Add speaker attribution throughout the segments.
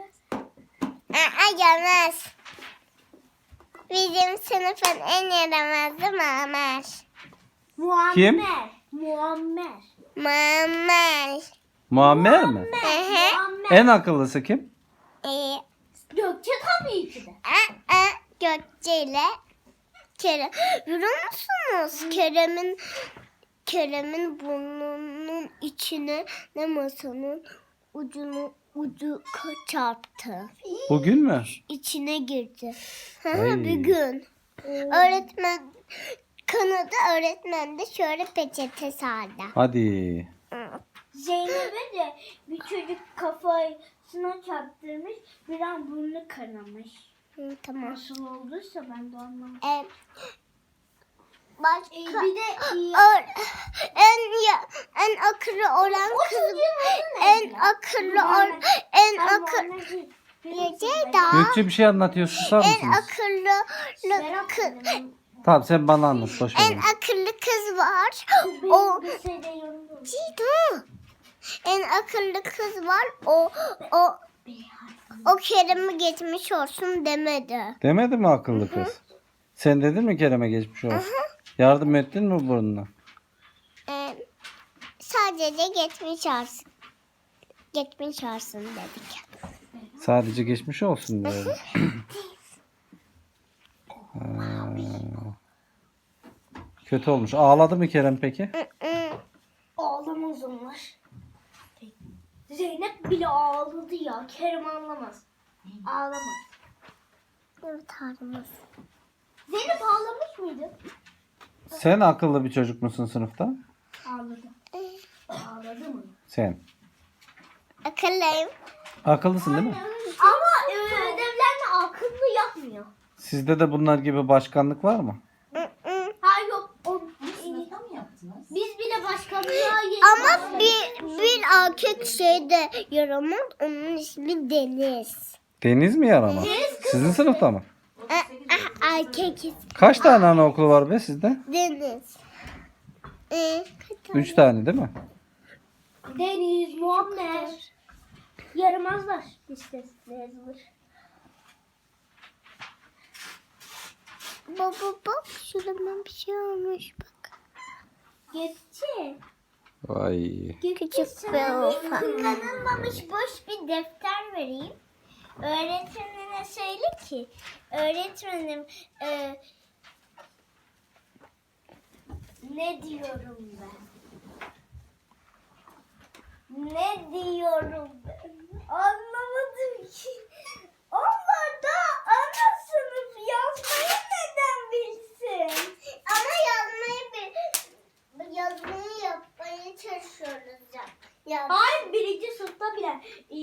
Speaker 1: Gelmez. Bizim sınıfın en yaramazı Muammer.
Speaker 2: Kim?
Speaker 3: Muammer.
Speaker 1: Muammer.
Speaker 2: Muammer mi?
Speaker 1: Hı hı.
Speaker 2: En akıllısı kim?
Speaker 3: Gökçe tabii ki de.
Speaker 1: Gökçe ile Kerem. Görüyor musunuz? Kerem'in burnunun içine ne masanın ucu çarptı.
Speaker 2: Bugün mü?
Speaker 1: İçine girdi. Hı
Speaker 2: Ay.
Speaker 1: hı, bir gün. Öğretmen kanadı, öğretmen de şöyle peçete sardı.
Speaker 2: Hadi.
Speaker 3: Zeynep'e de bir çocuk kafasına çarptırmış. Bir an burnu kanamış.
Speaker 1: Tamam.
Speaker 3: Nasıl olduysa ben de anlamadım.
Speaker 1: Başka
Speaker 3: Bir de
Speaker 1: en akıllı olan
Speaker 3: o
Speaker 1: kız,
Speaker 3: çocuğun adı
Speaker 1: en
Speaker 3: ne?
Speaker 1: akıllı Ceyda.
Speaker 2: Gökçe bir şey anlatıyor. Susar
Speaker 1: En
Speaker 2: mısınız?
Speaker 1: akıllı kız,
Speaker 2: Tamam sen bana anlat. Boş ver.
Speaker 1: en akıllı kız var.
Speaker 3: O bir şey de yorumluyor.
Speaker 1: Ceyda. En akıllı kız var. O Kerem'i geçmiş olsun demedi.
Speaker 2: Demedi mi akıllı kız? Sen dedin mi Kerem'e geçmiş olsun? Yardım ettin mi burnuna?
Speaker 1: Sadece geçmiş olsun. Geçmiş olsun dedik.
Speaker 2: Sadece geçmiş olsun diyorum. Kötü olmuş. Ağladı mı Kerem peki?
Speaker 3: Ağlamaz onlar. Zeynep bile ağladı ya. Kerem ağlamaz. Ağlamaz.
Speaker 1: Evet ağlamaz.
Speaker 3: Zeynep ağlamış mıydı?
Speaker 2: Sen akıllı bir çocuk musun sınıfta?
Speaker 3: Ağladı. Ağladı mı?
Speaker 2: Sen.
Speaker 1: Akıllıyım.
Speaker 2: Akıllısın değil mi?
Speaker 3: Ama ödevlerini akıllı yapmıyor.
Speaker 2: Sizde de bunlar gibi başkanlık var mı?
Speaker 3: Hayır yok.
Speaker 4: Sınıfta mı yaptınız?
Speaker 3: Biz bile başkanlığa
Speaker 1: Ama bir erkek şeyde yaramaz. Onun ismi Deniz.
Speaker 2: Deniz mi yaramaz? Sizin sınıfta mı?
Speaker 1: Erkek
Speaker 2: Kaç tane anaokulu var be sizde?
Speaker 1: Deniz.
Speaker 2: 3 tane değil mi?
Speaker 3: Deniz, Muammer. Yaramazlar listesinde yazılır.
Speaker 1: Baba bak şurada bir şey olmuş bak.
Speaker 3: Gökçe.
Speaker 2: Vay.
Speaker 1: Küçük bir ufak.
Speaker 3: Kullanılmamış boş bir defter vereyim. Öğretmenine söyle ki öğretmenim ne diyorum ben? Ne diyorum ben? Anlamadım ki. Onlar da ana sınıf yazmayı neden bilsin?
Speaker 1: Ama yazmayı yapmaya çalışıyoruz ya.
Speaker 3: Hayır birinci sınıfta bile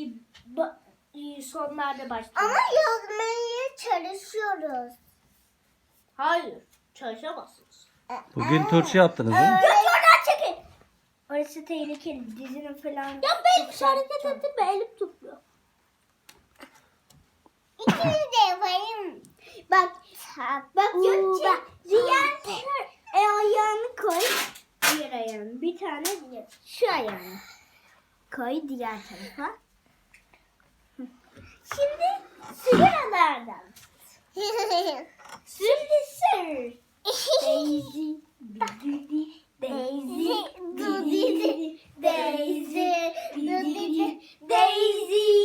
Speaker 3: sonlarda başlıyor.
Speaker 1: Ama yazmaya çalışıyoruz.
Speaker 3: Hayır çalışamazsınız.
Speaker 2: Bugün turşu yaptınız değil mi?
Speaker 3: Göt oradan çekin. Orası tehlikeli. Dizinin falan. Ya ben hiç hareket ettim mi? Elim tutmuyor.
Speaker 1: İkimiz de yapayım.
Speaker 3: Bak Gökçe. Diğer ayağını koy. Diğer ayağını. Bir tane diğer. Şu ayağını. Koy diğer tarafa. Şimdi sigaralardan. Şimdi sır. Daisy. Daisy. Daisy. Daisy. Daisy. Daisy.